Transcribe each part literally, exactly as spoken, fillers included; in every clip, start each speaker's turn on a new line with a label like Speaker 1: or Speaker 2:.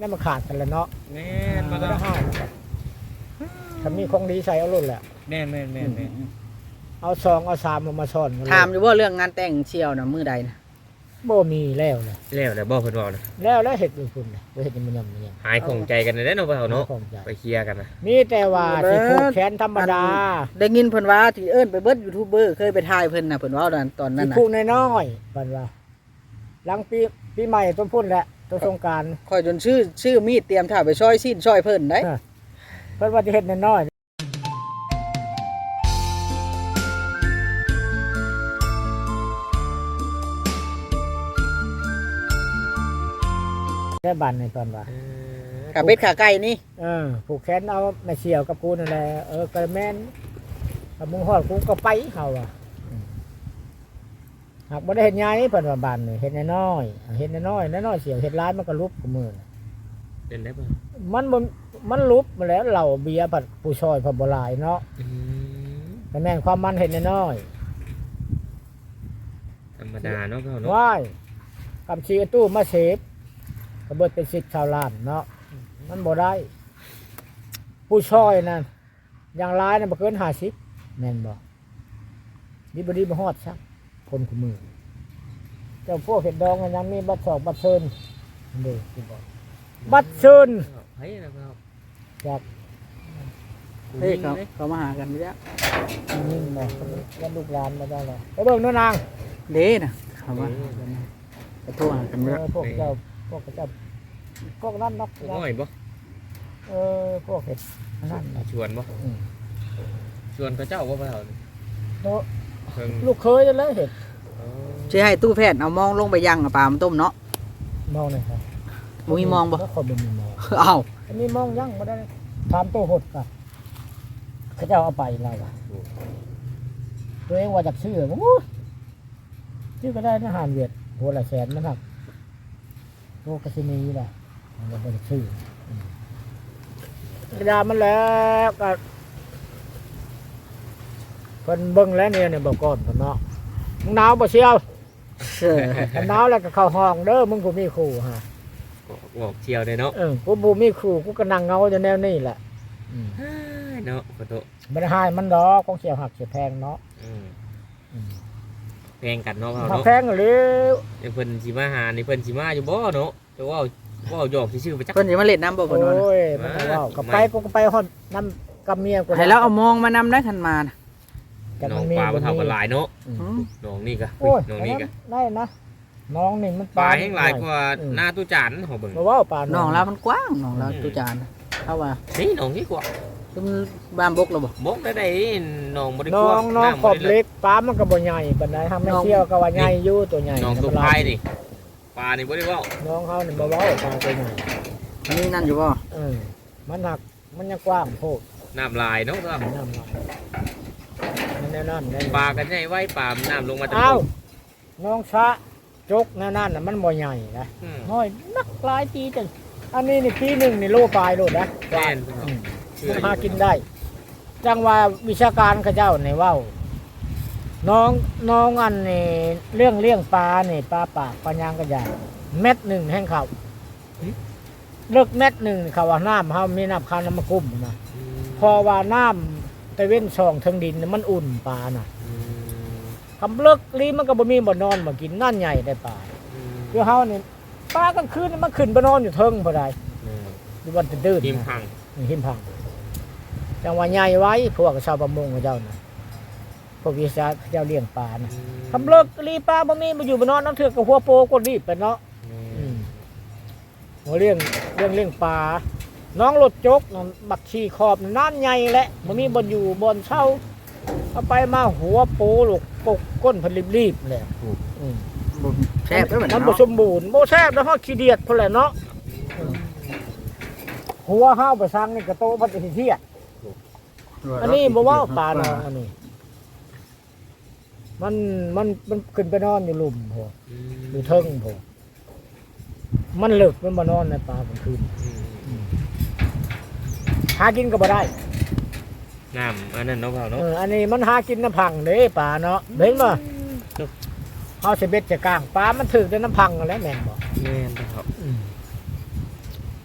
Speaker 1: นั่นมาขาดกันแล้วเนาะ
Speaker 2: แม่นมา
Speaker 1: ไม่
Speaker 2: แล้
Speaker 1: ได้
Speaker 2: ว
Speaker 1: ห้ามถ้ามีของดีใส่เอาลุ่นแหละ
Speaker 2: แม่นแม่นแม่นแม่น
Speaker 1: เอาซองเอาสามมามาซ่อนกันเลย
Speaker 3: ถามอยู่ว่าเรื่องงานแต่งเชียวน่ะมื้อใดนะ
Speaker 1: บ่มีแล้วเลย
Speaker 2: แล้วแต่บ่เพิ่นบอกนะ
Speaker 1: แล้วแล้วเห็ดเป็นคุณเลยเห็ดมันยังมันยัง
Speaker 2: หายของใจกันได้เนาะเปล่าเนาะ
Speaker 1: ของใจ
Speaker 2: ไปเคลียร์กันนะ
Speaker 1: มีแต่ว่าสิผูกแขนธรรมดา
Speaker 3: ได้ยินเพิ่นว่าที่เอิ้นไปเบิดยูทูบเบอร์เคยไปถ่ายเพิ่นน่ะเพิ่นเว้าตอนตอนนั้
Speaker 1: สิ
Speaker 3: นน่ะ
Speaker 1: ผูกน้อยๆบัดว่าหลังปีปีใหม่ต้นพุ่นแหละต้นสงกรานต์
Speaker 3: คอยจนชื่อชื่อมีดเตรียมถ่ายไปซอยซีนซอยเพิ่นได้
Speaker 1: เพิ่นว่าจะเฮ็ดน้อยๆได้บันในตอนว่า
Speaker 3: ขาเป็ดขาไก่นี่
Speaker 1: เออผูกแขนเอาแม่เสี่ยวกับกูนั่นแหละเออกระแม่นกับมึงฮอดกูก็ไปเฮาอ่ะอืมหากบ่ได้เฮ็ดใหญ่เพิ่นว่าบ้านนี่เฮ็ดน้อยๆเฮ็ดน้อยๆน้อยๆเสี่ยวเฮ็ดหลายมันก็ลุบกับมือน่ะ
Speaker 2: เป็นได้ป่ะ
Speaker 1: มันบ่มันลุบมาแล้วเหล้าเบียร์ผัดผู้ชอยผัดบ่หลายเนาะแต่แม่นความมันเฮ็ดน้อย
Speaker 2: ธรรมดาเนาะเปล่า
Speaker 1: ๆ
Speaker 2: เนาะ
Speaker 1: ว้ายกำชีตู้มาเสพก็เบิดเป็นสิบชาวล้านเนาะมันบ่ได้ ผู้ชอยนั่นอย่างร้ายน่ะบ่เกินห้าสิบแม่นบ่ดีบ่ดีบ่ฮอดซักคนคู่มือเจ้าพวกเฮ็ดดองมันยังมีบัตรสอบบัตรเชิญเด้อสิบอกบัตรเชิญ
Speaker 2: เฮ้ยนะเปล่า
Speaker 1: จาก
Speaker 3: เฮ้ยเขาเขามาหากันอยู่แล้ว
Speaker 1: นี่บ่ยันลูกหลานมาได้แล้วไปเบิ่งเนาะนาง
Speaker 3: เด้น่ะเขามาหากันไปโทรหากัน
Speaker 1: เอ
Speaker 3: แล้ว
Speaker 1: อพวกเจ้าพวกเจ้าพวกนั้นนัก
Speaker 2: น้อยบ่
Speaker 1: เออพวกเห็ดนั่นน่ะ
Speaker 2: ชวนบ่
Speaker 1: อืม
Speaker 2: ชวนเขาเจ้าบ่เปล่า
Speaker 1: โน้
Speaker 2: เพิ่ง
Speaker 1: ลูกเคยจะเลยเห็ด
Speaker 3: สิให้ตู้แพทย์เอามองลงไปยังเอาปลามาต้มเนาะ
Speaker 1: มองหน่อยครับ
Speaker 3: บ่มีมองบ่
Speaker 1: แล้วคนบ่มีมอง
Speaker 3: เอ้า
Speaker 1: อันนี้มองยังบ่ได้ถามตัวหดก่ะเขาเจ้าเอาไปแล้วอ่ะตัวเองว่าจากชื่อโอ้ยชื่อก็ได้นะหานเวียดหัวละแสนมันหักโลกสินีแหละมันบ่ได้ชื่ออืมกระดามันแล้วก็เพิ่นเบิ่งแล้วเนี่ยเนี่ยบอกก่อนเพิ่นเนาะมึงหนาวบ่เชียว
Speaker 3: เออ
Speaker 1: กันหนาวแล้วก็เข้าห้องเด้อมึงกูมีครูฮะ
Speaker 2: บอกเชียวเลยเนาะ
Speaker 1: เออกูบ่มีครูกูก็นั่งเงาอยู่แนวนี้แหละอืม
Speaker 2: เนาะขอโทษ
Speaker 1: บ่ได้หายมันดอกของเสียวหักเสียแพงเนาะ
Speaker 2: อืม
Speaker 1: อืม
Speaker 2: แพงกันเนาะเปล่า
Speaker 1: หัก
Speaker 2: เนาะ
Speaker 1: แพงหรือ
Speaker 2: เดี๋ยวเพิ่นสิมาหานี่เพิ่นสิมาอยู่บ่เนาะแต่ว่าว่าหยอกซื่อๆไปจัก
Speaker 3: เพิ่นสิมาเล่นน้ำบ่
Speaker 1: โอ
Speaker 3: เพิ่นว่านะ
Speaker 1: ้ยมันก็เว้ากับไปกูก็ไปฮอดน้ำกับเมียกู
Speaker 3: ให้เราเอามองมานำได้คันมานะ
Speaker 1: แต่
Speaker 2: น้
Speaker 1: มั
Speaker 2: อง
Speaker 1: นมี
Speaker 2: ปลาบ่เท่ากันหลายเนาะ
Speaker 1: อืม
Speaker 3: อืม
Speaker 2: น้องนี่ก็
Speaker 1: โอ้ย
Speaker 2: น้องนี่ก็
Speaker 1: ได้นะน้องนี่มัน
Speaker 2: ปลาแห้งหลายกว่าหน้าตู้จานของเบิ่ง
Speaker 1: บ่เว้าปลา
Speaker 3: น้องเรามันกว้างน้องเราตุจานเขาว่า
Speaker 2: นี่น้องนี่กว่า
Speaker 3: คือมันบ้านบกเราบ่
Speaker 2: บกได้ได้น้องบ่ได้
Speaker 1: น้
Speaker 2: ก
Speaker 1: อ
Speaker 2: ว้าง
Speaker 1: น้อง
Speaker 2: ำ
Speaker 1: ขอบ
Speaker 2: บ่ได้
Speaker 1: เล็กปลามันก็บ่ใหญ่ปานใดทำไม่เที่ยวก็ว่าใหญ่อยู่ตัวใหญ่
Speaker 2: น้องตัวพายนี่ปลานี่บ่ได้เว้า
Speaker 1: น้องเขานี่บ่เว้าปลาตัวใหญ่
Speaker 3: มีนั่นอยู่บ่
Speaker 1: เออมันหักมันยังกว้างโพด
Speaker 2: น้ำลายเนาะครับ
Speaker 1: น้ำลายมันแน่นอนแน่น
Speaker 2: ป
Speaker 1: อน
Speaker 2: ลากันใหญ่ไว้ปลาน้ำลงมาจาก
Speaker 1: อ้าว
Speaker 2: บก
Speaker 1: น้องชะจกแน่นอนน่ะมันบ่ใหญ่นะ
Speaker 2: อืม
Speaker 1: น้อยนักหลายปีจังอันนี้นี่ปีหนึ่งนี่โลปลายโลดนะ
Speaker 2: แม่น
Speaker 1: อืม
Speaker 2: เชื่อ
Speaker 1: หากินได้ จังว่าวิชาการเขาเจ้าในเว้า น้องน้องอันนี่เรื่องเลี้ยงปลานี่ปลาปากปลายางกระยางเม็ดหนึ่งแห้งเขาเลิกเม็ดหนึ่งเขาว่าน้ำเขามีน้ำข้าวน้ำมะกุ้มนะ
Speaker 2: อืม
Speaker 1: พอว่าน้ำตะเว้นช่องเทิงดินน่ะมันอุ่นปลาน่ะ
Speaker 2: อืม
Speaker 1: คำเลิกลีมันก็บ่มีบ่นอนบ่กินนั่นใหญ่ได้ปลา
Speaker 2: อืม
Speaker 1: คือเฮานี่ปลากลางคืนนี่มันขึ้นไปนอนอยู่เทิงบ่ได้
Speaker 2: อืม
Speaker 1: อยู่วันตื่นๆ
Speaker 2: ทีม
Speaker 1: นะ
Speaker 2: พัง
Speaker 1: หิมพังจังว่าใหญ่ไว้พวกชาวประมงเขาเจ้าน่ะพวกวิสาเจ้าเลี้ยงปลาน่ะคำเลิกลีปลาบ่มีบ่อยู่บ่นอนน้ำเถือกกับหัวโปก็รีบไปเนาะ
Speaker 2: อืม
Speaker 1: หัวเลี้ยงเลี้ยงเลี้ยงปลาน้องรถจกน่ะบักชีขอบน่ะน้ำใหญ่แหละบ่มีบ่อนอยู่บ่อนเช่าเอาไปมาหัวโปลูกปกก้นเพิ่นรีบๆเลยอืม
Speaker 3: บ่แซ่บเด้อบัด
Speaker 1: มัน
Speaker 3: นี้
Speaker 1: บ่
Speaker 3: เนาะ
Speaker 1: สมบูรณ์บ่แซ่บแล้วเฮาขี้เดียดพุ่นแหละเนาะหัวเฮาไปสร้างนี่ก็โตบ่ได้เที่ยอันนี้บ่เว้าปลาน้องอันนี้ มันมันมันขึ้นไปนอนอยู่หลุมพอ
Speaker 2: อืม
Speaker 1: อยู่เทิงพอมันเลิกมันมานอนในป่ากลางคืน
Speaker 2: อืม
Speaker 1: หากินก็บ่ได้
Speaker 2: น้ำอันนั้นเนาะเปล่าเนาะ
Speaker 1: เอออันนี้มันหากินน้ำพังเด้ป่าเนาะเห็นบ่เฮาสิเบ็ดจะกลางปลามันถึกแต่น้ำพังนั่นแหละแม่นบ่
Speaker 2: แม่นครับ
Speaker 1: อืม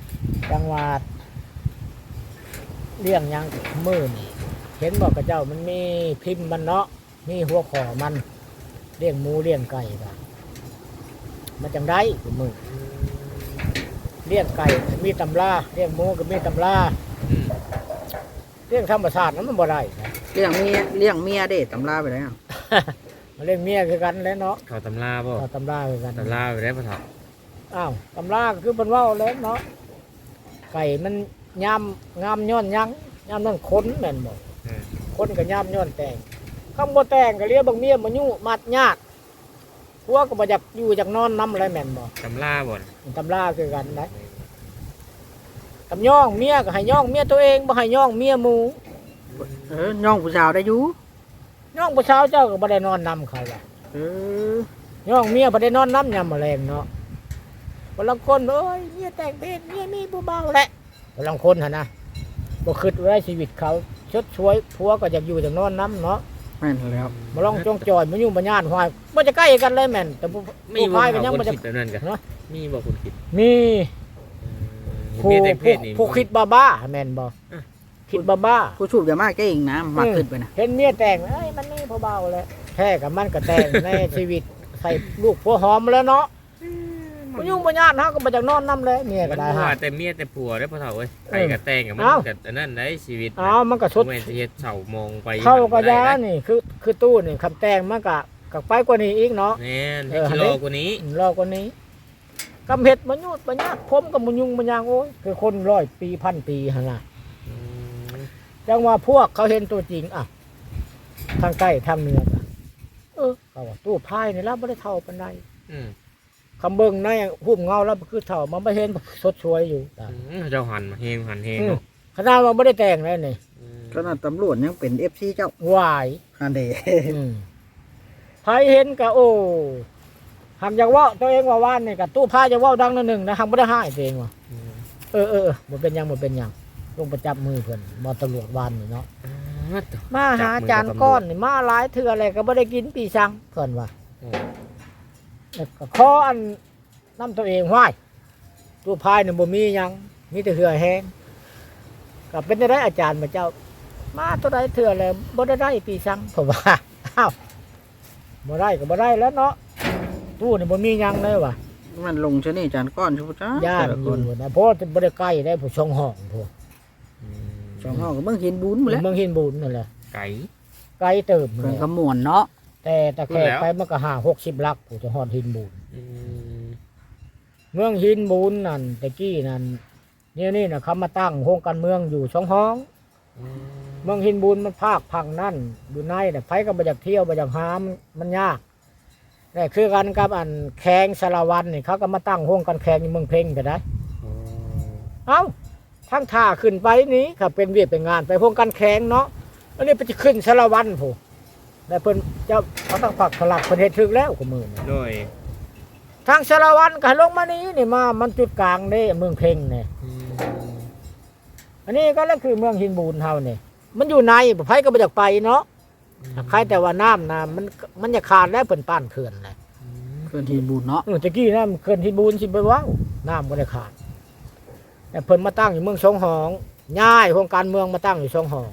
Speaker 1: จังหวัดเลี้ยงหยังมื้อนี่เห็นบอกกับเจ้ามันมีพิมพ์มันเนาะมีหัวข้อมันเลี้ยงหมูเลี้ยงไก่ก็มันจังได้กูมือเลี้ยงไก่มีตำราเลี้ยงหมูก็มีตำรา
Speaker 2: อืม
Speaker 1: เลี้ยงธรรมชาตินั้นมันบ่ได้นะ
Speaker 3: เลี้ยงเมียเลี้ยงเมียเด้ตำราไปแล้ว
Speaker 1: มาเลี้ยงเมียคือกันแล้วเนาะ
Speaker 2: เขาตำราบ่
Speaker 1: เอาตำราคือกัน
Speaker 2: ตำราไปได้พ่อเฒ่า
Speaker 1: อ้าวตำราก็คือเป็นเว่าแล้วเนาะไก่มันยำงามย้อนยังยำนั่นขนแม่นบ่
Speaker 2: อืม
Speaker 1: คนก็ยำย้อนแต่งคำบ่แต่งก็เรียกบางเมียบ่ยุ่มัดญาติพวกก็บ่อยากอยู่อยากนอนนำอะไรแม่นบ่
Speaker 2: ตำราบ่น่ะ
Speaker 1: ตำราคือกันนะตำย่องเมียก็ให้ย่องเมียตัวเองบ่ให้ย่องเมียหมู่
Speaker 3: เออย่องผู้สาวได้อยู่
Speaker 1: ย่องผู้สาวเจ้าก็บ่ได้นอนนำเขาล่ะ
Speaker 3: เออย่
Speaker 1: องเมียบ่ได้นอนนำยามมื้อแลงเนาะบางคนเอ้ยเมียแต่งเพศเมียมีผู้เบาแหละบางคนหั่นนะบ่คิดไว้ชีวิตเขาชดช่วยผัวก็อยากอยู่อยากนอนนำเนาะ
Speaker 3: แม่นแล้ว
Speaker 1: มาลองจองจอยมายุ่งมาญาติหอยมันจะใกล้กันเลยแม่นแต่ผู้
Speaker 2: มี
Speaker 1: ผู้
Speaker 2: บ่
Speaker 1: พายก็
Speaker 2: เขา
Speaker 1: ยัง
Speaker 2: คน
Speaker 1: มันจะ
Speaker 2: คิดแบบนั้นกัน
Speaker 1: เนาะ
Speaker 2: มีบ่คนคิด
Speaker 1: มี
Speaker 2: อืม
Speaker 1: ผู้
Speaker 2: มีแต่เพ
Speaker 1: ผู้
Speaker 2: ศนี่
Speaker 1: ผู้คิดบ้าบ้าแม่นบ่
Speaker 2: อ่ะ
Speaker 1: คิดบ้าบ้า
Speaker 3: ผู้สูบยามาเก่งนะมากขึ้นไปนะ
Speaker 1: เห็นเมียแต่งเอ้ยมันนี่พอเบาเลยแท้กับมันก็แต่ง ในชีวิตใส่ลูกผัวหอมแล้วเนาะมายุ่งมาญาติเฮาก็บ่จักนอนนํเลยเมีย
Speaker 2: มั
Speaker 1: ก็
Speaker 2: น
Speaker 1: ได้
Speaker 2: บ่
Speaker 1: ฮะ
Speaker 2: ว่าแต่เมียแต่ผัวได้อพ่อเฒ่าเอ้ยไปกับแต่งกับมัน
Speaker 1: เอ้า
Speaker 2: กับอันนั้นได้ชีวิต
Speaker 1: อ้าวมันก็ชด
Speaker 2: บ่แม่นสิเฮ็ดเฉามองไป
Speaker 1: เข้าก็ยา
Speaker 2: ได้
Speaker 1: นี่คือคือตู้นี่คำแต่งมันก็ก็ไปกว่านี้อีกเนาะ
Speaker 2: แม่น
Speaker 1: เอ
Speaker 2: ให้
Speaker 1: อ
Speaker 2: กิโลกว่านี้
Speaker 1: รอกว่านี้กำเห็ดมันยุดมันยากผมกับมันยุงมันยางโอ้ยคือคนร้อยปีพันปีหั่นน่ะ
Speaker 2: อืม
Speaker 1: จังว่าพวกเขาเห็นตัวจริงอ่ะทางใต้ทางเหนือก็เออเขาว่าตู้พายนี่แล้วไม่ได้เท่าปานใด
Speaker 2: อืม
Speaker 1: คำเบิ่งในหุ้มเงาแล้วคือเท่ามันไม่เห็นสดช่วยอยู่ตา
Speaker 2: อืมเจ้าหันมาเฮงหันเฮง
Speaker 1: อืม
Speaker 2: เนาะ
Speaker 1: ขนาดมันไม่ได้แต่งเลยนี่
Speaker 2: อืม
Speaker 3: ขนาดตำรวจยังเป็น เอฟ ซี เจ้า
Speaker 1: หวาย
Speaker 3: ฮันเด
Speaker 1: อืมพายเห็นก็โอ้หากอยากเว่าตัวเองว่าว่านนี่กับตู้พายจะเว่าดังนิดหนึ่งนะหากไม่ได้ให้ตัวเองว่า
Speaker 2: อืม
Speaker 1: เออเออเออมันเป็นหยังมันเป็นหยังลงประจับมือเพิ่นมาตำรวจวานนี่เนาะ
Speaker 2: อ่าตัว
Speaker 1: มาหาจานก้อนนี่มาหลายเถื่ออะไรก็ไม่ได้กินปีชังเพิ่นว่า
Speaker 2: โอ้
Speaker 1: แล้วก็ขออันน้ำตัวเองห้วยตัวพายนี่บ่มีหยังมีแต่เหือแห้งก็เป็นได้อาจารย์มาเจ้า มาตัวใดเถื่อเลยบ่ได้ได้ปีชังผมว่าอ้าวบ่ได้ก็บ่ได้แล้วเนาะตู้นี่บ่มีหยังเลยว่ะ
Speaker 3: มันลงชะนี่จานก้อนชุบจ้า
Speaker 1: ย่า
Speaker 3: แต่
Speaker 1: น
Speaker 3: ละ
Speaker 1: อ
Speaker 3: ค
Speaker 1: ยู่
Speaker 3: น
Speaker 1: นะเพราะบ่ได้ใกล้ได้ผู้ชงห้องพวก
Speaker 2: อืม
Speaker 3: สองห้องก็เบิ่งเห็นบุญหมดแล้ว
Speaker 1: เมืองหินบูนนั่นแหละ
Speaker 2: ไก่
Speaker 1: ไกลเติบ
Speaker 3: เพิ่
Speaker 1: เล
Speaker 3: น
Speaker 1: ย
Speaker 3: ขมวนเนาะ
Speaker 1: แต่ตะแคกไปมันก็ห้าหกสิบลักผู้จะฮอดหินบูน
Speaker 2: อืม
Speaker 1: เมืองหินบูนนั่นตะกี้นั่นเนี่ยนี่นะเขามาตั้งโครงการเมืองอยู่สองห้อง
Speaker 2: อืม
Speaker 1: เมืองหินบูนมันภาคพังนั่นอยู่ในแต่ะไผก็บ่อยากเที่ยวบ่อยากหามันมันยากแต่คือกันกับอันแข่งสารวันนี่เขาก็มาตั้งโครงการแข่งอยู่เมืองเพ่งก็ได้
Speaker 2: โอ้
Speaker 1: เอ้าทั้งท่าขึ้นไปนี้ครับเป็นเวียดเป็นงานไปโครงการแข่งเนาะอันนี้ไปจะขึ้นสารวันผู้แต่เพิ่นเจ้าเขาต้องผักสลักเพิ่นเฮ็ดถึกแล้วกับมือนี่
Speaker 2: โดย
Speaker 1: ทางสารวันก็ให้ลงมานี้นี่มามันจุดกลางเด้เมืองเพ่งนี่
Speaker 2: อืม
Speaker 1: อันนี้ก็แล้วคือเมืองหินบูนเฮานี่มันอยู่ในไผก็บ่อยากไปเนาะใครแต่ว่าน้ำนะมันมันจะขาดแล้วเพิ่นป้านเขื่อนเลย
Speaker 3: เพิ่นเห็นบุญเนาะ
Speaker 1: เออตะกี้น้ำเขื่อนหินบูนสิไปว้าวน้ำบ่ได้ขาดแต่เพิ่นมาตั้งอยู่เมืองสองหองย้ายโครงการเมืองมาตั้งอยู่สองหอง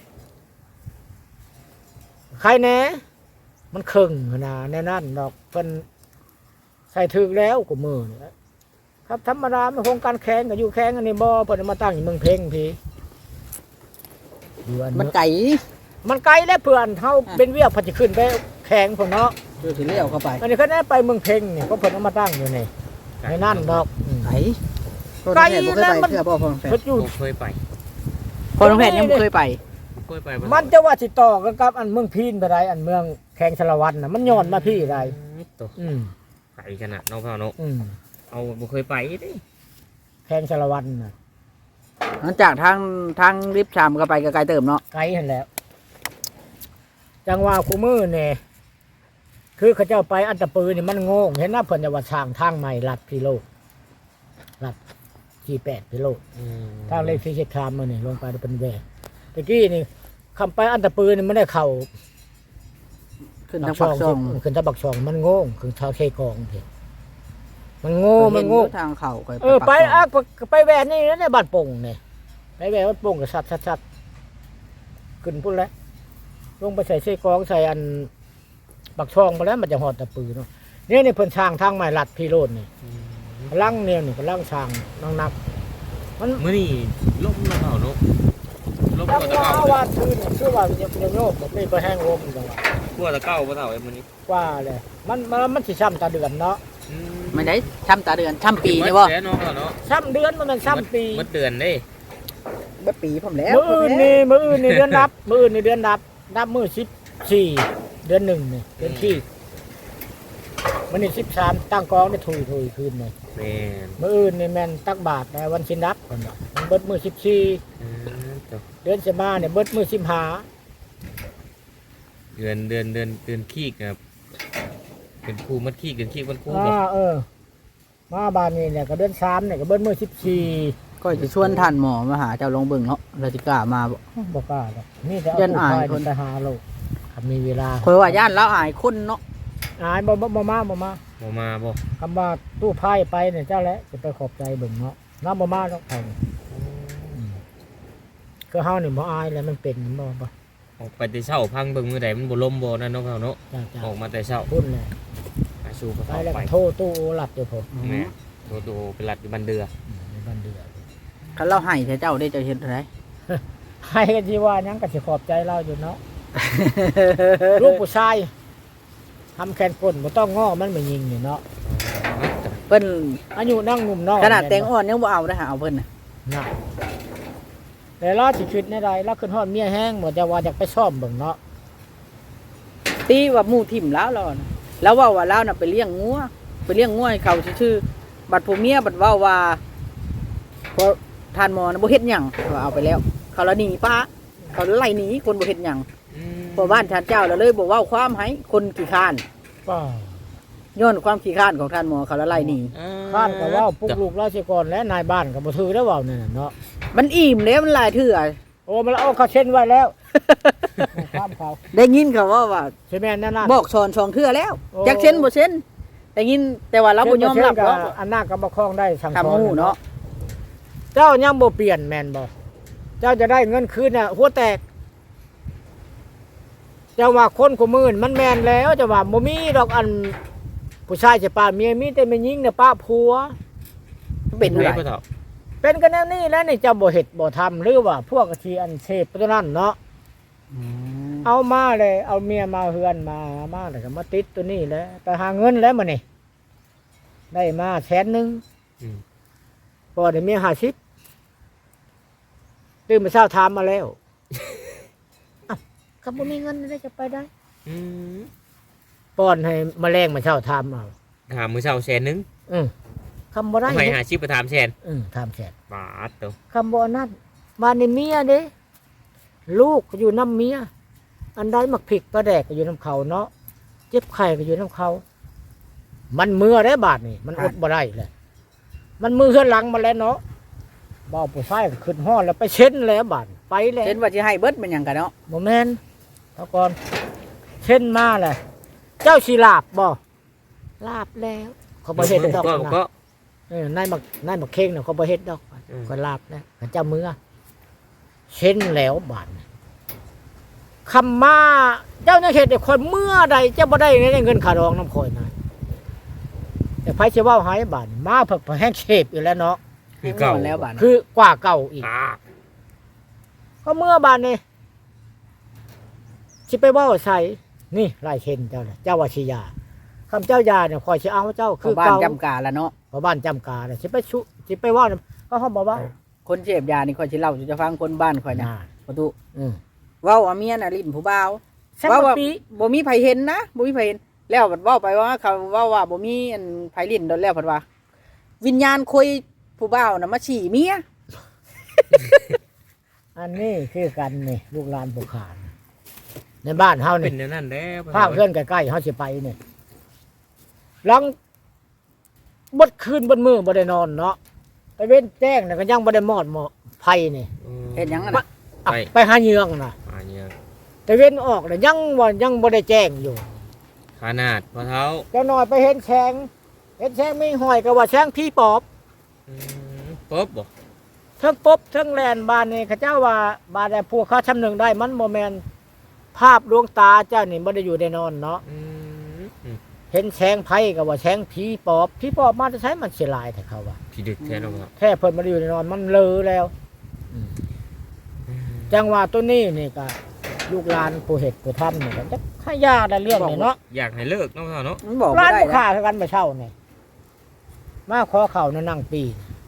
Speaker 1: ใครแน่มันครึ่งนะในนั้นดอกเพิ่นใส่ถึกแล้วกูมือนี่ครับธรรมดามันโครงการแข่งก็อยู่แข่งอันนี้บ่เพิ่นเอามาตั้งอยู่เมืองเพ่งพี่อยู่อัน
Speaker 3: มัน
Speaker 1: เมือง
Speaker 3: ไก่
Speaker 1: มันไกลแล้วเพื่อนเฮาเป็นเวียกพอจะขึ้นไปแข่งพุ่นเนาะ
Speaker 3: เดี๋ยวสิเลี้ยวเข้าไป
Speaker 1: อันนี้เขาได้ไปเมืองเพ่งนี่ก็เพิ่นเอามาตั้งอยู่นี่ในนั่นดอกอืม
Speaker 3: ไก่พ่อ
Speaker 1: ไก่
Speaker 3: น้องแพทย์บ่เคย
Speaker 1: แล้ว
Speaker 3: ไป
Speaker 1: มัน
Speaker 3: เชื่อพ่อพ่อน้องแพท
Speaker 1: เพิ่
Speaker 3: ย์
Speaker 1: นอยู่
Speaker 2: บ่เคยไป
Speaker 3: พ่อน้องแพทย์ยังบ่เคยไป
Speaker 2: บ่เคยไปบ่
Speaker 1: มันจะว่าสิต่อกันกับอันเมืองพีนไปได้อันเมืองแข่งชลวันน่ะมันย้อนมาพี่ได้
Speaker 2: ตัว
Speaker 1: อืม
Speaker 2: ไก่ขนาดน้องพ่อเนาะ
Speaker 1: อืม
Speaker 2: เอาบ่เคยไปเด้
Speaker 1: แข่งชลวันน่ะ
Speaker 3: หลังจากทางทางลิฟต์ชามก็ไปก็ไกลเติมเนาะ
Speaker 1: ไกลหั่นแหล้ว จังว่าคูมือนี่คือเขาเจ้าไปอันตะปือนี่มันโง่เห็นนะเพิ่นจะว่าสร้างทางใหม่ลัดพิโลลัดที่แปดพิโล
Speaker 2: อืม
Speaker 1: ทางเลขที่เช็ดคามมาเนี่ยลงไปเป็นแหวกตะกี้นี่คำไปอันตะปืนนี่ไม่ได้เข่า
Speaker 3: ขึ้นทางปากช่อง
Speaker 1: ขึ้นทางปักช่องมันโง่งขึ้นทางเทกองเถอะมันโง่มันโง่
Speaker 3: เห็อยู่ทางเข้าข่อย
Speaker 1: เออไป
Speaker 3: ปัก
Speaker 1: อ่ะไปไปแหวนนี่นะในบ้านโป่งนี่ไปแหวนบ้านโป่งก็ชัดๆๆขึ้นพุ่นแล้วลงไปใส่เสื้อกรองใส่อันปักช่องไปแล้วมันจะหอดตะปือเนาะนี่นี่เพิ่นสร้างทางใหม่ลัดพี่โรดนี่กำลังเนี่ยนี่กำลังสร้างนักนักมัน
Speaker 2: มื้อนี้ลมแล้วเปล่าเนาะลม
Speaker 1: ตั้ง
Speaker 2: กว่าตะ
Speaker 1: ว่า
Speaker 2: เก่า
Speaker 1: ว่าคืนคือว่าจะเป็นโยกแบบนี้ไปแห้งลมจังหวะ
Speaker 2: กว่าตะเก่าบ่เท่าไอ้มื้อนี้
Speaker 1: ว่าเลยมันมันมันสิช้ำตาเดือนเนาะ
Speaker 2: อื
Speaker 3: ไม่ได้ช้ำตาเดือนช้ำปีนี่บ่
Speaker 2: แล้เนาะเนาะ
Speaker 1: ช้ำเดือนมันเป็นช้ำปี
Speaker 2: หมดเดือนเด้
Speaker 3: บ่ปีผมแล้ว
Speaker 1: มื้ออื่นนี่มื้ออื่นนี่เดือนนับมื้ออื่นนี่เดือนนับนับมื้อสิบสี่เดือนหนึ่งนี่เดือนที่มันนี่สิบสามตั้งกองได้ถุยถุยคืนนี่
Speaker 2: แม่น
Speaker 1: มื้ออื่นนี่แม่นตักบาทแต่วันสินับคนเนาะมันเบิดมื้อสิบสี่
Speaker 2: อืมจ้ะ
Speaker 1: เดือนสิบห้าเนี่ยเบิดมื้อสิบห้า
Speaker 2: เดือนเดือนเดือนเดือนขี้ครับเป็นครูมัดขี้เดือนขี้มันครูบ่
Speaker 1: อ่าเออมาบ้านนี่เนี่ยก็เดือนสามเนี่ยก็เบิดมื้อสิบสี่
Speaker 3: ก็จะชวนท่านหมอมาหาเจ้าลงเบิ่งเนาะเราสิกล้ามาบ่
Speaker 1: บ่กล้าดอกนี่แต่เอา
Speaker 3: ยัน
Speaker 1: ผู้
Speaker 3: อาย
Speaker 1: ชาย
Speaker 3: คน
Speaker 1: ไปหาโลกถ้ามีเวลา
Speaker 3: ข่อยว่าย่านแล้วอายคนเนาะ
Speaker 1: อายบ่บ่บ่มาบ่มา
Speaker 2: บ่มาบ่
Speaker 1: คำว่าตู้ไพ่ไปเนี่ยเจ้าแหละจะไปขอบใจเบิ่งเนาะน้ำบ่มาดอกเขาอืมคือเฮานี่บ่อายแล้วมันเป็นบ่บ่
Speaker 2: ออกไปแต่เช้าพังเบิ่งมื้อใดมันบ่ลมบ่นั่นเนาะเขาเนาะ
Speaker 1: จ้าจ้า
Speaker 2: ออกมาแต่เช้า
Speaker 1: พุ่นแหละ
Speaker 2: หาสู่กระ
Speaker 1: ไป
Speaker 2: เป๋า
Speaker 1: แล้ว
Speaker 2: ไป
Speaker 1: ก็โทรตู้โอหลับอยู่ผม
Speaker 2: แม่โตโตเป็นหลัดอยู่บันเดือ
Speaker 1: อืมในบ้านเดือด
Speaker 3: คันเราให้เจ้าได้เจ้าเฮ็ดอะไร
Speaker 1: ให้กันสิว่าหยังก็สิขอบใจเราอยู่เนาะ ลูกผู้ชายทำแขนก้นบ่ต้องง้อมันไม่ยิงนี่เนาะ
Speaker 3: เพิ่น
Speaker 1: อายุนั่งหนุ่มน้อย
Speaker 3: ขนาดแตงอ่อนยังบ่เอานะหาเอาเพิ่นน่ะ
Speaker 1: น่ะแต่เราสิคิดในใดเราขึ้นฮอดเมียแห้งหมดจะว่าอยากไปซ่อมเบิ่งเนาะ
Speaker 3: ตีว่าหมู่ทิ่มแล้วเราน่ะแล้วเว้าว่าเราน่ะไปเลี้ยงงัวไปเลี้ยงงัวให้เขาชื่อๆบัดผู้เมียบัดเว้าว่าพอท่านหมอน่ะบ่เฮ็ดหยังว่าเอาไปแล้ว เขาละหนีป้าเขาไล่หนีคนบ่เฮ็ดหยังพอบ้านท่านเจ้าแล้วเลยบ่เว้าความให้คนขี้ข้าน
Speaker 1: ก็
Speaker 3: ย้อนความขี้ข้านของท่านหมอเขาละไล่หนี
Speaker 1: ข้านก็เว้าปลุกลูกราชกรและนายบ้านก็บ่ถือได้เว้านั่นน่ะเนาะ
Speaker 3: มันอิ่มแล้วมันหลายเทื่อ
Speaker 1: โอ้มันเอาเขาเช่นไว้แล้วข้ามเขา
Speaker 3: ได้ยินเขาว่าว่า
Speaker 1: ใช่ไหมนั่นน่ะ
Speaker 3: บอกสอนสองเทื่อแล้ว
Speaker 1: โอ้
Speaker 3: จักเช่นบ่เช่นได้ยินแต่ว่าเราบ่ยอมรับ
Speaker 1: เช่น
Speaker 3: เนาะ
Speaker 1: ก็อันน่าก็บ่คล้องได้สั่งส
Speaker 3: ทำ
Speaker 1: อน
Speaker 3: หูเนาะ
Speaker 1: เจ้ายังบ่เปลี่ยนแม่นบ่เจ้าจะได้เงินคืนน่ะหัวแตกเจ้าว่าคนกูมื่นมันแม่นแล้วเจ้าว่าบ่มีดอกอันผู้ชายจะป้าเมียมีแต่แม่ยิงน่ะป้าผัว
Speaker 3: เป็น
Speaker 2: ไร
Speaker 3: ไร
Speaker 2: พ่อเฒ่า
Speaker 1: เป็นกันแนวนี้แล้วนี่เจ้าบ่เฮ็ดบ่ทำหรือว่าพวกที่อันเสพตัวนั้นเนาะ เอามาเลยเอาเมียมาเฮือนมามาแล้วก็มาติดตัวนี้แหล้วไปหาเงินแล้วมื้อนี้ได้มาแสนหนึง
Speaker 2: อืม
Speaker 1: พอได้เมียห้าสิบตื่นมาเช้าถามมาแล้ว อ้าวก็บ่มีเงินได้จะไปได้
Speaker 2: อืม
Speaker 1: ป้อนให้แมลงมาเช้าถามเอา
Speaker 2: ถามมื้อเช้าแสนหนึง
Speaker 1: อือคำบ่ได้
Speaker 2: ทำไมหาชีพไปถามแสน
Speaker 1: อือถามแสน
Speaker 2: บาทตัว
Speaker 1: คำบ่อันนั้นบ้านนี่เมียเด้ลูกก็อยู่น้ำเมียอันใดมักผิกก็แดกก็อยู่น้ำเขาเนาะเจ็บไข้ก็อยู่น้ำเขา มันมือได้บาดนี่มันอดบ่ได้เลยมันมือเฮือนหลังมาแล้วเนาะบ่าวผู้ชายก็ขึ้นห้อแล้วไปเช็ดแล้วบาดไปแล้ว
Speaker 3: เช่นว่าสิให้เบิดมันหยังกันเนาะ
Speaker 1: โมเมนเท่าก่อนเช่นมาเลยเจ้าชีลาบบ่ลาบแล้วเขาบ่เฮ็ดดอก
Speaker 2: ก็
Speaker 1: นะ
Speaker 2: ก็
Speaker 1: เออนายบักนายบักเข่งน่ะเขาบ่เฮ็ดดอก
Speaker 2: อืม
Speaker 1: ก็ลาบแล้วเขาเจ้ามือเช่นแล้วบาดนี่คำมาเจ้าเนี่ยเฮ็ดให้คนเมื่อใดเจ้าบ่ได้เงินค่าดองน้ำข่อยนะแต่ไผสิเว้าให้บาดนี่มาเพิ่นแห้งเชฟอีกแล้วเนาะ
Speaker 2: คือเก่า
Speaker 3: แล้วบาด
Speaker 1: คือกว่าเก่าอีก
Speaker 2: อ่า
Speaker 1: ก็เมื่อบานนี่สิไปเว่าใส่นี่ลายเช่นเจ้าเลยเจ้าว่าชิยาคำเจ้ายาเนี่ยคอยสิเอาเจ้า
Speaker 3: คื
Speaker 1: คือ อ
Speaker 3: บ้าน
Speaker 1: เก่า
Speaker 3: จำกาละเนาะ
Speaker 1: เพราะบ้านจำกาเนี่ยสิไปชุสิไปเว่าเนี่ยก็เขาบอกว่า
Speaker 3: คนเสพยานี่ข่อยสิเล่าจะฟังคนบ้านข่อยนะ
Speaker 1: น่า
Speaker 3: ประตู
Speaker 1: อืม
Speaker 3: เว้าว่าเมียน่ะลิ้นผู้บ่าว
Speaker 1: แซ่บ
Speaker 3: เว้าว่า
Speaker 1: ปี
Speaker 3: บ่มีไผเห็นนะบ่มีไผเห็นแล้วบัดเว้าไปว่าเขาเว้าว่าบ่มีอันไผลิ้นโดนแล้วเพิ่นว่า วิญญาณคุยผู้บ่าวน่ะมาฉี่เมีย
Speaker 1: อันนี้คือกันนี่ลูกหลานบุคานในบ้านเฮา
Speaker 2: เป็
Speaker 1: นี่
Speaker 2: นแนวนั้นแล้ว
Speaker 1: ภาคเพื่อนใกล้ๆเฮาสิไปเนี่ยหลังบดคืนบดมือบ่ได้นอนเนาะไปเว้นแจ้งน่ะก็ยังบ่ได้มอดหมอไผนี่
Speaker 3: เฮ็ดหยังอะ
Speaker 1: ไป
Speaker 3: น่ะ
Speaker 1: อ่ะไปหาเหยืองน่ะ
Speaker 2: อ่าเนี่ย
Speaker 1: แต่เว้นออกเลยยังว่ายังบ่ได้แจ้งอยู่
Speaker 2: ขนาดพ่อเฒ่า
Speaker 1: เจ้าหน่อยไปเห็นแสงเห็นแช่งมีหอยก็ว่าแช่งพี่ปอบ
Speaker 2: อืมป๊อบบ่
Speaker 1: เทิงปบเทิงแลนบ้านนี่เขาเจ้าว่าบ้านแต่พวกเขาชำหนึ่งได้มันบ่แม่นภาพดวงตาเจ้านี่บ่ได้อยู่ได้นอนเนาะ
Speaker 2: อืมอืม
Speaker 1: เห็นแช่งไผก็ว่าแช่งผีปอบผีปอบมาจะใช้มันเสียหลายแต่เขาว่า
Speaker 2: พี่ดึกแท้เนาะครับ
Speaker 1: แค่เพิ่นบ่ได้อยู่ได้นอนมันเลอแล้ว จังหวะตัวนี้นี่ก็ลูกหลานผู้เฮ็ดผู้ทำนี่ก็จะขายาได้เรื่องนี่เนาะ
Speaker 2: อยากให้เลิกเนาะพ่อเนาะ
Speaker 3: มันบอก
Speaker 1: ร้า
Speaker 3: บ่
Speaker 1: น
Speaker 3: ได้
Speaker 1: ผู้
Speaker 3: นะ
Speaker 1: ค้าคือกันมาเช่านี่มาขอเข้านั่นนั่งปี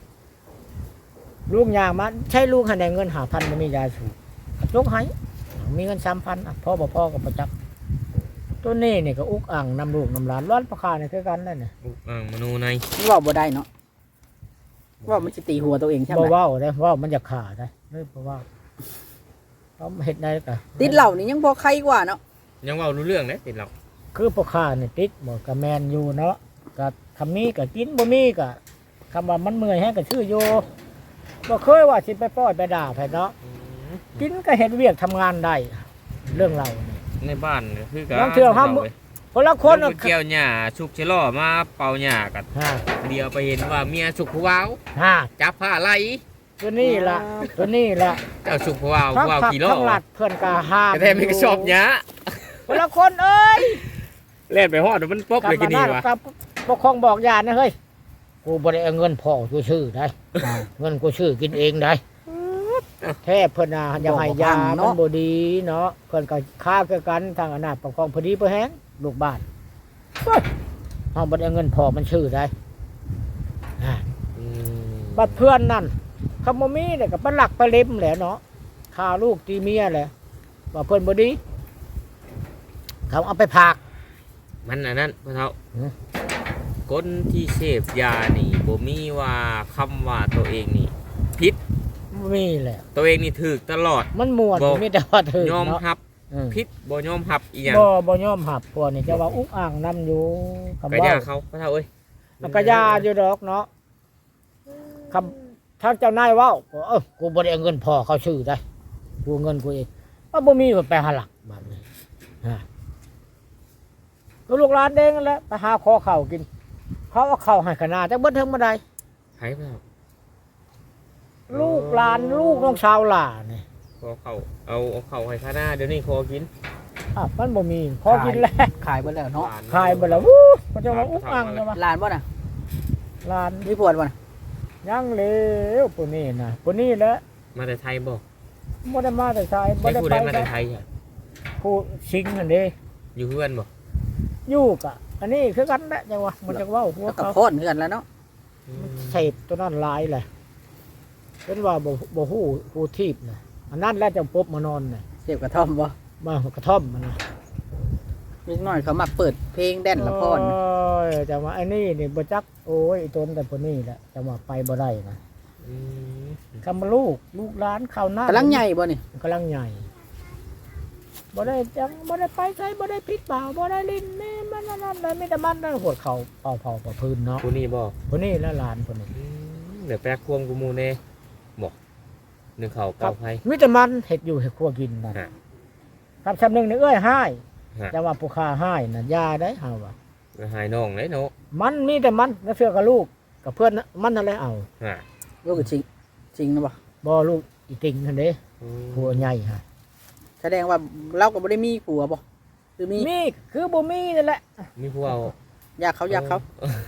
Speaker 1: ลูกยางมาใช้ลูกให้ได้เงินห้าพันบ่มียาสูบลูกให้มีเงินสามพันอ่ะพ่อบ่พ่อก็บ่จับตัวนี้นี่ก็อุกอ่างนำลูกนำหลานร้านผู้ค้านี่คือกันนั่นน่ะ
Speaker 2: อุกอ่างมโนใน
Speaker 3: มันบอกบ่ได้เนาะว่ามันจะตีหัวตัวเองใช่ไหม
Speaker 1: บ่เว้าได้เว้ามันจะขาดได้เลยบ่เว้าเขาเฮ็ดได้ก็
Speaker 3: ติดเหล่านี่ยังพอใครกว่าเนาะ
Speaker 2: ยังเว้ารู้เรื่องเด้ติดเรา
Speaker 1: คือพ่อค้านี่ติดบ่ก็แม่นอยู่เนาะก็คำมีก็กินบ่มีก็คำว่ามันเมื่อยแฮงก็ชื่ออยู่บ่เคยว่าสิไปป้อยไปด่าไผเนาะ
Speaker 2: อืม
Speaker 1: กินก็เฮ็ดเวียกทำงานได้เรื่องเรานี่
Speaker 2: ในบ้านก็คือกัน
Speaker 1: ลองเที่ยวห้าม
Speaker 2: ว้ย
Speaker 1: คนละค
Speaker 2: คน
Speaker 1: น
Speaker 2: เกี่ยวหญ้าสุกชะลอมาเป่าหญ้ากัน
Speaker 1: ฮะ
Speaker 2: เดียวไปเห็นว่าเมียสุกผู้วาว
Speaker 1: ฮะ
Speaker 2: จับผ้าไหล
Speaker 1: ตัวนี้ล่ะตัวนี้ล่ะ
Speaker 2: เจ้าสุกผู้วาว
Speaker 1: ทั้ง
Speaker 2: ผู้วาว
Speaker 1: ผัก
Speaker 2: กี่โล
Speaker 1: ทั้งหลัดเพื่อนก็ห้าม
Speaker 2: แต่แท้ไม่ก็ชอบหญ้า
Speaker 1: คนละคนเอ้ย
Speaker 2: เล่นไปฮอดมันป๊อบเลยกินนี่วะ
Speaker 1: กับปกครองบอกญาตินะเฮ้ยกูบ่ได้เอาเงินพ่อกูชื่อได้เงินกูชื่อกินเองได้แท้เพิ่นน่ะยังให้ยามันบ่ดีเนาะเพิ่นก็ค้าคือกันทางอำนาจปกครองพอดีพอแฮงลูกบ้านเฮ้ยเฮาบ่ได้เอาเงินพ่อมันชื่อได้อ่า
Speaker 2: อืม
Speaker 1: บัดเพื่อนนั่นคำบ่มีเนี่ยก็ปลักปลาเล็มแหละเนาะฆ่าลูกตีเมียแหละว่าเพิ่นบ่ดีเขาเอาไปพาก
Speaker 2: มันอันนั้นพ่อเฒ่า
Speaker 1: หือ
Speaker 2: คนที่เสพยานี่บ่มีว่าคำว่าตัวเองนี่ผิด
Speaker 1: บ่มีแหละ
Speaker 2: ตัวเองนี่ถูกตลอด
Speaker 1: มันม่วน
Speaker 2: บ่
Speaker 1: มีแต่ว่าถึง
Speaker 2: ยอม
Speaker 1: เนาะ
Speaker 2: รับ
Speaker 1: อืม
Speaker 2: ผิดบ่ยอมรับอีหยัง
Speaker 1: บ่บ่ยอมหับพวกนี่จะว่าอุกอ่างนํอยู่คำ
Speaker 2: ก็
Speaker 1: ว่า
Speaker 2: ย่าเขาพ่อเฒ่าเอ้ย
Speaker 1: มันก็ยาอยู่ดอกเนาะคำทางเจ้านายเว้าก็เออกูบ่ได้เอาเงินพ่อเขาชื่อได้กูเอาเงินกูเองว่าบ่มีก็ไปหาหลักบัดนี้ฮะก็ลูกหลานเด้งนั่นแหละไปหาขอข้าวกิน เขาเอาข้าวให้ขนาดจักเบิดเทิงบ่ได้
Speaker 2: ไผพ่อเฒ่า
Speaker 1: ลูกหลานลูกน้องสาวหล่านี่
Speaker 2: ขอเข้าเอาเอาเข้าให้ข้าหน้าเดี๋ยวนี้ขอกิน
Speaker 1: อ่ะมันบ่มีพอกินแล้ว
Speaker 3: ขายไปแล้วเนาะ
Speaker 1: ขายไปแล้ววู้เขาจะมาอุกอังเลยมา
Speaker 3: หลานบ่น่ะ
Speaker 1: หลาน
Speaker 3: มีปวดบ่น่ะ
Speaker 1: ยังเหลวปุ่นนี่นะปุ่นนี่แหละ
Speaker 2: มาแต่ไทยบ่
Speaker 1: บ่ได้มาแต่ชายบ่
Speaker 2: ใช้
Speaker 1: ได้
Speaker 2: ผู้
Speaker 1: ไป
Speaker 2: ใดมาแต่
Speaker 1: แต่
Speaker 2: ไทยอ่ะ
Speaker 1: ผู้ชิงนั่นเด้
Speaker 2: อยู่เพื่อนบ่
Speaker 1: อยู่กะอันนี้คือกันแหละจังว่ามันจะเว้าหัว
Speaker 3: แล้วก็
Speaker 1: เขา
Speaker 3: โคตรเหมือนกันแล้วเนาะ
Speaker 2: อืม
Speaker 1: เสพตัวนั้นหลายแหละเป็นว่าบ่บ่ฮู้ผู้ทีบน่ะอันนั้นแหละจังปบมานอนน่ะ
Speaker 3: เสพกระท่อมบ่
Speaker 1: มากระท่อมมันน่ะ
Speaker 3: นิดหน่อยเขามักเปิดเพลงแดนละพร
Speaker 1: โอ้ยจังว่าไอ้นี่นี่บ่จักโอ้ยไอ้ตนแต่ปุ่นนี่แหละจังว่าไปบ่ได้นะ
Speaker 2: อืม
Speaker 1: คำว่าลูกลูกหลานข้าวหน้าก
Speaker 3: ำลังใหญ่บ่นี่
Speaker 1: กำลังใหญ่บ่ได้จังบ่ได้ไปใช้บ่ได้พลิกเปล่าบ่ได้ลิ้นแม่มันนั่นนั่นเลยมีแต่มันนั่นหัวเขาเป่าเผาประพื้นเนาะ
Speaker 2: ผู้นี้บ่
Speaker 1: คนนี้และหลานคนนี้
Speaker 2: อืมเดี๋ยวแปลควมกูหมู่แน่บ่หนึ่งเขาเป่าไผ
Speaker 1: มีแต่มันเห็ดอยู่เห็ดครัวกินนั่น
Speaker 2: ฮะ
Speaker 1: ครับชำหนึงนี่เอ้ยให้
Speaker 2: ฮะ
Speaker 1: จะว่าผู้ค้าให้น่ะยาได้เฮาว่า
Speaker 2: ก็หายน้องเลยเนาะ
Speaker 1: มันมีแต่มันแล้วเสื้อกับลูกกับเพื่อนน่ะมันนั่นแหละเอา
Speaker 2: ฮะ
Speaker 3: ลูกก็จริงจริงนะบ่
Speaker 1: บ่ลูกอีติงนั่นเด้
Speaker 2: อืม
Speaker 3: Ừ.
Speaker 1: ผัวใหญ่ฮะ
Speaker 3: แสดงว่าเราก็บ่ได้มีผัวบ่คือมี
Speaker 1: มีคือบ่มีนั่นแหละ
Speaker 2: มีผู้เอา
Speaker 3: อยากเขาอยากเขา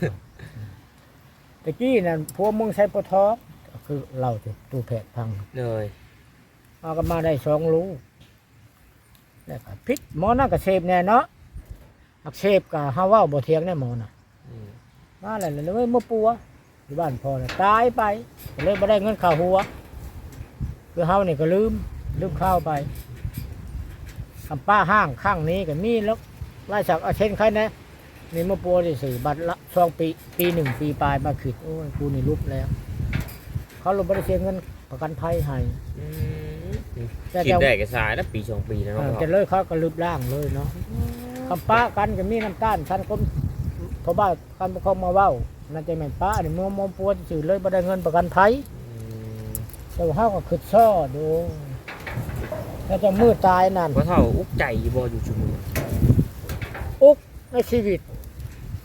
Speaker 1: ตะกี้นั่นผัวมึงใช้ปะท้องคือเราสิตู้แผดพัง
Speaker 2: เลย
Speaker 1: เอากันมาได้สองลูกแล้วก็พิษหมอนั่นก็เสพแน่เนาะอักเสบก็เฮาเว้าบ่เถียงแน่หมอน่ะ
Speaker 2: อืม
Speaker 1: มาแล้วเลยเมื่อปัวอยู่บ้านพ่อน่ะตายไปก็เลยบ่ได้เงินข้าวหัวคือเฮานี่ก็ลืมลืมข้าวไปคำป้าห้างข้างนี้ก็มีแล้วไล่จากเอาเช่นใครนะนี่เมื่อปัวที่สี่บัตรละสองปีปีหนึ่งปีปลายมาขิดโอ้ยกูนี่ลุบแล้ว เขาลงบ่ได้เสียเงินประกันภัยให้
Speaker 2: อืม
Speaker 1: แต่
Speaker 2: คิด
Speaker 1: จะ
Speaker 2: ได้ก็สายแล้วปีสองปีแล้ว
Speaker 1: เอ
Speaker 2: เนาะ
Speaker 1: อจะเลยเขาก็ลืบล่างเลยเนาะคำป้ากันก็มีน้ำตาลท่านก็เพราะว่าการปกครองมาเว้านั่นจะแม่นป้าเนี่ยมัวมัวปัวสื่อเลยบ่ได้เงินประกันภัย
Speaker 2: อืม
Speaker 1: แต่ว่าเขาก็ขึ้นซ้อดูแล้วจะมือตายนั่น
Speaker 2: เพราะเท่าอุกใจบ่อยู่ชุมอ
Speaker 1: อุกในชีวิต
Speaker 2: อ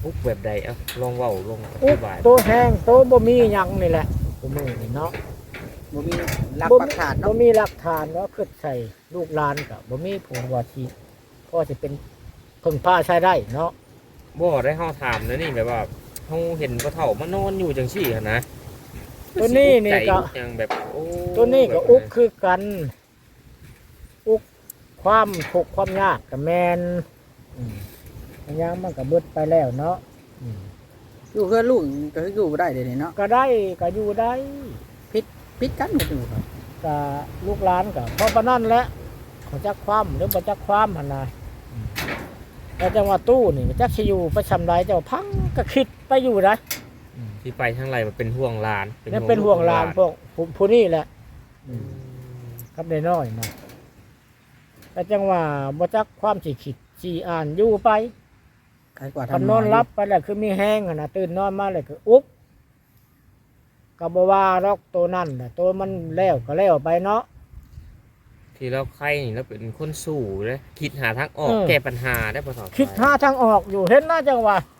Speaker 2: อุกแบบใดเอ้าลองเว้าลองอ
Speaker 1: อุ๊
Speaker 2: ธิ
Speaker 1: บ
Speaker 2: บาย
Speaker 1: โตแห้งโตบ่มีหยังนี่แหละกูมือนี่เนาะ
Speaker 3: บ่มีหลัก
Speaker 1: บ่
Speaker 3: ปัก
Speaker 1: มี
Speaker 3: ฐาน
Speaker 1: บ่
Speaker 3: เนาะ
Speaker 1: มีหลักฐานว่าคือใส่ลูกหลานก็บ่มีผลว่าที่พอสิเป็นพึ่งพาใช้ได้เนาะ
Speaker 2: บ่ได้เฮาถามนะนี่แบบว่าเฮาเห็นพ่อเฒ่ามานอนอยู่จังซี่หั่นนะ
Speaker 1: ตัวนี้นี่ก็
Speaker 2: ใจอุยังแบบโอ้
Speaker 1: ตัวนี้ก็
Speaker 2: แบบ
Speaker 1: อุกคือกัน อุกความทุกข์ความยากกับแมนอืมอันยังมันก็เบิดไปแล้วเนาะอืม
Speaker 3: อยู่เพื่อลูกก็คืออยู่บ่ได้เดี๋ยวนี้เนาะ
Speaker 1: ก็ได้ก็อยู่ได้
Speaker 3: พิดกันก็อยู่ครับ
Speaker 1: ก็ลูกหลานก็เพราะปานนั้นแหละเขอจักความหรือบ่จักความหั่นน่ะอืมแล้วจังว่าตู้นี่จักสิอยู่ไปชำไรเจ้าพังก็คิดไปอยู่นะอืม
Speaker 2: ที่ไปทางไรมันเป็นห่วงหลาน
Speaker 1: นี่เป็นห่วงหลานพวกผู้ผู้นี่แหละ
Speaker 2: อืม
Speaker 1: ครับได้น้อยนะแต่จังว่าบ่จักความสิคิดสิอ่านอยู่ไป
Speaker 3: ใครกว่า
Speaker 1: คัน
Speaker 3: ทำ
Speaker 1: นอนรับไปแล้วคือมีแห้งอะนะตื่นนอนมาเลยคืออุ๊บก็บ่ว่าดอกตัวนั่นน่ะตัวมันแล้วก็แล้วไปเนาะ
Speaker 2: ที่เราใครนี่เราเป็นคนสู้เลยคิดหาทางออก
Speaker 1: เออ
Speaker 2: แก้ปัญหาได้พ่อเฒ่า
Speaker 1: คิดหาทางออกอยู่เห็นน่าจังว่า